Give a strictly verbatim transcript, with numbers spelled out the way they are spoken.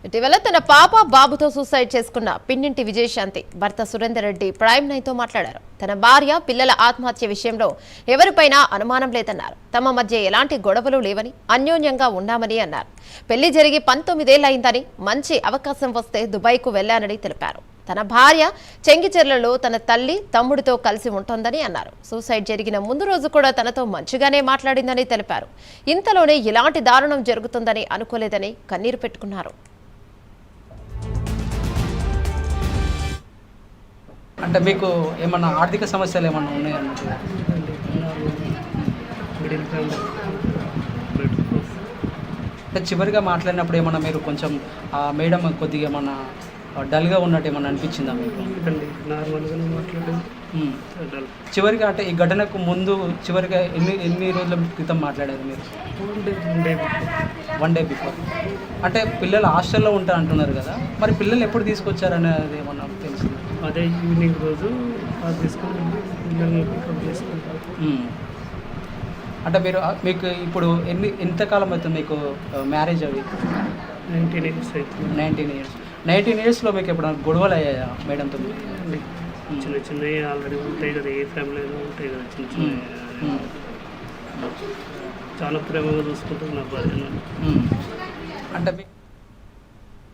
ఇటీవల తన పాప బాబుతో సూసైడ్ చేసుకున్న పిన్నింటి విజయశాంతి భర్త సురేందర్ రెడ్డి ప్రైమ్ నైన్ తో మాట్లాడారు. తన భార్య పిల్లల ఆత్మహత్య విషయంలో ఎవరిపైనా అనుమానం లేదన్నారు. తమ మధ్య ఎలాంటి గొడవలు లేవని, అన్యోన్యంగా ఉన్నామని అన్నారు. పెళ్లి జరిగి పంతొమ్మిదేళ్లయిందని, మంచి అవకాశం వస్తే దుబాయ్కు వెళ్లానని తెలిపారు. తన భార్య చెంగిచెర్లలో తన తల్లి తమ్ముడితో కలిసి ఉంటోందని అన్నారు. సూసైడ్ జరిగిన ముందు రోజు కూడా తనతో మంచిగానే మాట్లాడిందని తెలిపారు. ఇంతలోనే ఇలాంటి దారుణం జరుగుతుందని అనుకోలేదని కన్నీరు పెట్టుకున్నారు. అంటే మీకు ఏమన్నా ఆర్థిక సమస్యలు ఏమన్నా ఉన్నాయండి? అంటే చివరిగా మాట్లాడినప్పుడు ఏమన్నా మీరు కొంచెం మేడం కొద్దిగా ఏమన్నా డల్గా ఉన్నట్టు ఏమన్నా అనిపించిందా మీకు? నార్మల్గానే మాట్లాడాను. చివరిగా అంటే ఈ ఘటనకు ముందు చివరిగా ఎన్ని ఎన్ని రోజుల క్రితం మాట్లాడారు మీరు? One day before. అంటే పిల్లలు హాస్టల్లో ఉంటా అంటున్నారు కదా, మరి పిల్లలు ఎప్పుడు తీసుకొచ్చారనేది ఏమన్నా తెలిసింది? అదే ఈవినింగ్ రోజు తీసుకుని పిల్లల్ని పికప్ చేసుకుంటారు. అంటే మీరు మీకు ఇప్పుడు ఎన్ని ఎంతకాలం అవుతుంది మీకు మ్యారేజ్ అవి? నైన్టీన్ ఇయర్స్ అవుతుంది. నైన్టీన్ ఇయర్స్ నైన్టీన్ ఇయర్స్లో మీకు ఎప్పుడైనా గొడవలు అయ్యాయా మేడంతో? చిన్న చిన్నవి ఆల్రెడీ ఉంటాయి కదా, ఏ ఫ్యామిలీలో ఉంటాయి కదా చిన్న చిన్న. చాలా ప్రేమగా చూసుకుంటుంది నా భార్య. అంటే